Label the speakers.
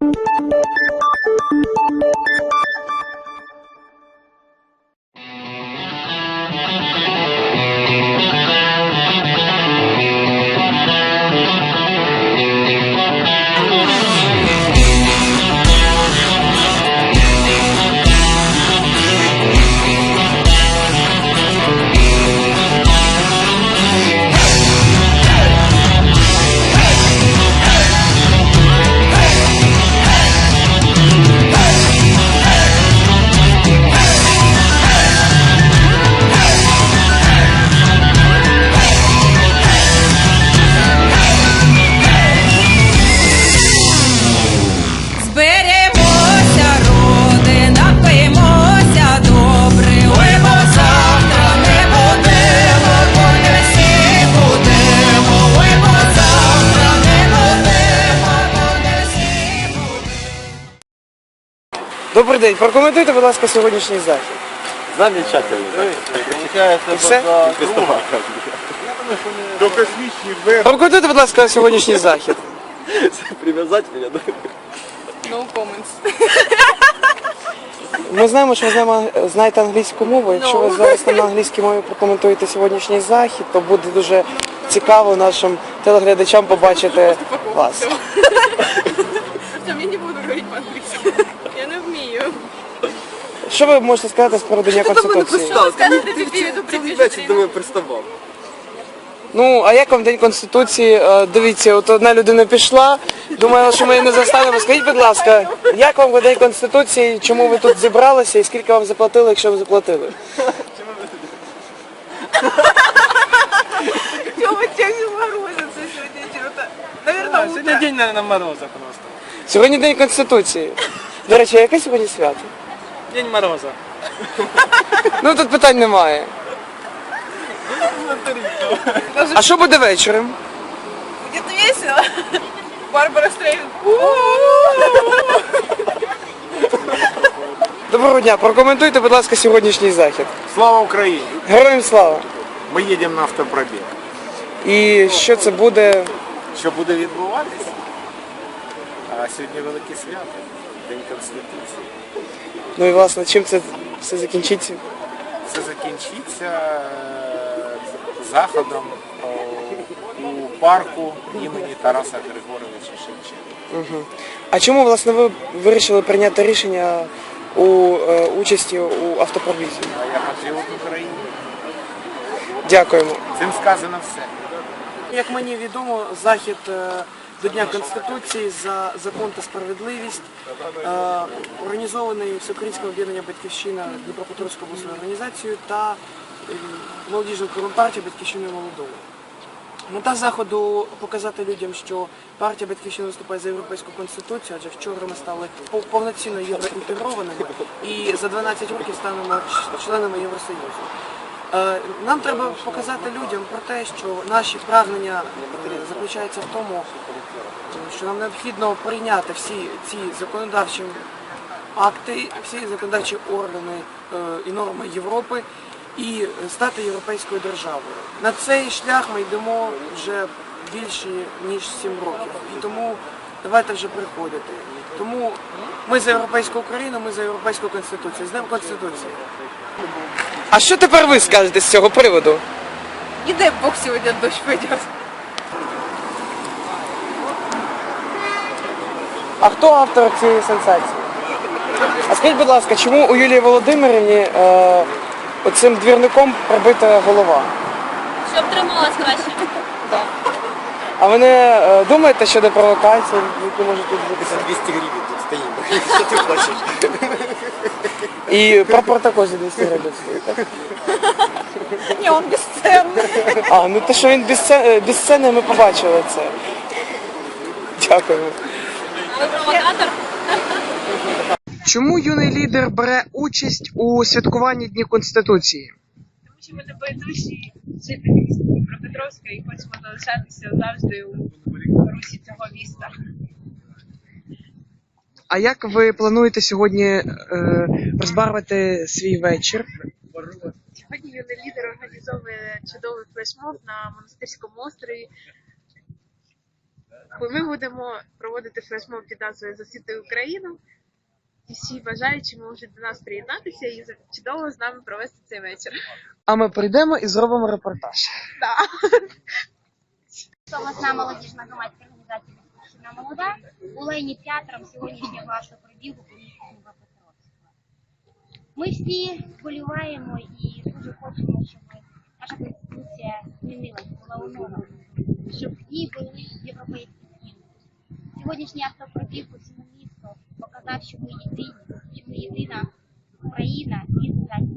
Speaker 1: Добрий день, прокоментуйте, будь ласка, сьогоднішній захід.
Speaker 2: Замечательно.
Speaker 1: І все?
Speaker 2: До космічні вверх.
Speaker 1: Прокоментуйте, будь ласка, сьогоднішній захід.
Speaker 2: Прив'язати мене, да?
Speaker 3: No comments.
Speaker 1: Ми знаємо, що ви знаєте англійську мову. Якщо ви зараз на англійській мові прокоментуєте сьогоднішній захід, то буде дуже цікаво нашим телеглядачам побачити вас.
Speaker 3: Я не буду говорити по-англійськи. Я не вмію.
Speaker 1: Що ви можете сказати з приводу Дня Конституції?
Speaker 2: Цілий вечір до мене приставав.
Speaker 1: Ну, а як вам День Конституції? Дивіться, от одна людина пішла, думала, що ми її не застанемо. Скажіть, будь ласка, як вам День Конституції, чому ви тут зібралися і скільки вам заплатили, якщо ви заплатили?
Speaker 3: Чому тягне морозиться сьогодні? Наверное, утро.
Speaker 4: Сегодня день, наверное, мороза просто.
Speaker 1: Сьогодні День Конституції. До речі, а яке сьогодні свято?
Speaker 4: День мороза.
Speaker 1: Ну, тут питань немає. А що буде вечором?
Speaker 3: Будет весело. Барбара Стрейн.
Speaker 1: Доброго дня, прокоментуйте, будь ласка, сьогоднішній захід.
Speaker 2: Слава Україні!
Speaker 1: Героям слава!
Speaker 2: Ми їдемо на автопробіг.
Speaker 1: І що це буде?
Speaker 2: Що буде відбуватися? А сьогодні велике свято. День Конституції.
Speaker 1: Ну і власне, чим це все закінчиться?
Speaker 2: Це закінчиться заходом у парку імені Тараса Григоровича Шевченка.
Speaker 1: А чому, власне, ви вирішили прийняти рішення у участі у автопробізі?
Speaker 2: А я патріот України.
Speaker 1: Дякуємо.
Speaker 2: Цим сказано все.
Speaker 1: Як мені відомо, захід до Дня Конституції за закон та справедливість організований Всеукраїнським об'єднанням «Батьківщина» Дніпропетровською обласною організацією та молодіжною партією «Батьківщиною молодого». Мета заходу – показати людям, що партія «Батьківщина» виступає за Європейську Конституцію, адже вчора ми стали повноцінно євроінтегрованими і за 12 років станемо членами Євросоюзу. Нам треба показати людям про те, що наші прагнення заключаються в тому, що нам необхідно прийняти всі ці законодавчі акти, всі законодавчі органи і норми Європи і стати європейською державою. На цей шлях ми йдемо вже більше ніж 7 років. І тому давайте вже приходити. Тому ми за європейську Україну, ми за європейську Конституцію. З Днем Конституції. А що тепер ви скажете з цього приводу?
Speaker 3: Не дай Бог сегодня дождь пойдет.
Speaker 1: А хто автор цієї сенсації? А скажіть, будь ласка, чому у Юлії Володимирівні оцим двірником пробита голова?
Speaker 5: Щоб трималась краще.
Speaker 1: А ви не думаєте щодо провокацій, які можуть тут бути?
Speaker 2: 200 гривень тут стоїмо. Що ти хочеш?
Speaker 1: І прапор також за 200 гривень стоїть, так?
Speaker 3: Не, он бесценный.
Speaker 1: А, ну те, що він без сцени, ми побачили це. Дякуємо.
Speaker 5: Ви провокатор?
Speaker 1: Чому юний лідер бере участь у святкуванні Дня Конституції?
Speaker 6: Тому що ми небайдужі жителі Дніпропетровська і хочемо залишатися завжди у русі цього міста.
Speaker 1: А як ви плануєте сьогодні розбавити свій вечір?
Speaker 6: Сьогодні юний лідер організовує чудовий флешмоб на Монастирському острові. Ми будемо проводити флешмоб під назвою «Засвіти Україну». І всі бажаючі можуть до нас приєднатися і чудово з нами провести цей вечір.
Speaker 1: А ми прийдемо і зробимо репортаж.
Speaker 7: Обласна молодіжна громадська організація «Батьківщина молода» була ініціатором сьогоднішнього вашого пробігу по місту Дніпропетровська. Ми всі вболіваємо і дуже хочемо, щоб наша конституція змінилась, була оновлена, щоб в ній були європейські цінності. Сьогоднішній автопробіг по всьому місту показав, що ми єдині, що ми єдина Україна, і